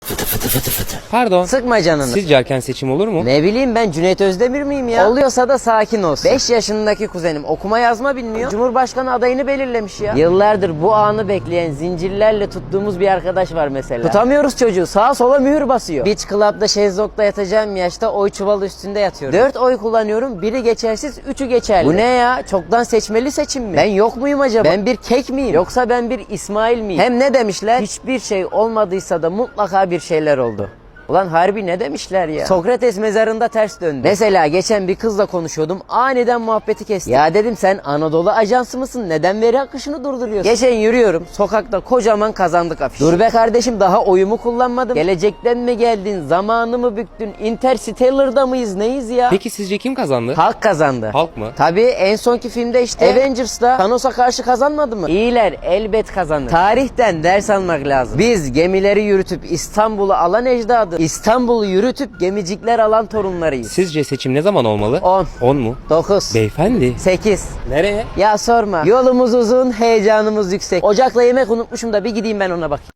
Pardon. Sıkma canını. Sizce erken seçim olur mu? Ne bileyim ben Cüneyt Özdemir miyim ya? Oluyorsa da sakin olsun. 5 yaşındaki kuzenim okuma yazma bilmiyor. Cumhurbaşkanı adayını belirlemiş ya. Yıllardır bu anı bekleyen zincirlerle tuttuğumuz bir arkadaş var mesela. Tutamıyoruz çocuğu. Sağa sola mühür basıyor. Beach Club'da şezlongda yatacağım yaşta oy çuvalı üstünde yatıyorum. 4 oy kullanıyorum. Biri geçersiz, 3'ü geçerli. Bu ne ya? Çoktan seçmeli seçim mi? Ben yok muyum acaba? Ben bir kek miyim? Yoksa ben bir İsmail miyim? Hem ne demişler? Hiçbir şey olmadıysa da mutlaka bir şeyler oldu. Ulan harbi ne demişler ya? Sokrates mezarında ters döndü. Mesela geçen bir kızla konuşuyordum. Aniden muhabbeti kesti. Ya dedim sen Anadolu Ajansı mısın? Neden veri akışını durduruyorsun? Geçen yürüyorum. Sokakta kocaman kazandık afişi. Dur be kardeşim daha oyumu kullanmadım. Gelecekten mi geldin? Zamanı mı büktün? Interstellar'da mıyız? Neyiz ya? Peki sizce kim kazandı? Halk kazandı. Halk mı? Tabii en sonki filmde işte Avengers'da Thanos'a karşı kazanmadı mı? İyiler elbet kazanır. Tarihten ders almak lazım. Biz gemileri yürütüp İstanbul'u alan ecdadı. İstanbul'u yürütüp gemicikler alan torunlarıyız. Sizce seçim ne zaman olmalı? 10, 10 mu? 9, Beyefendi. 8. Nereye? Ya sorma. Yolumuz uzun, heyecanımız yüksek. Ocakla yemek unutmuşum da bir gideyim ben ona bakayım.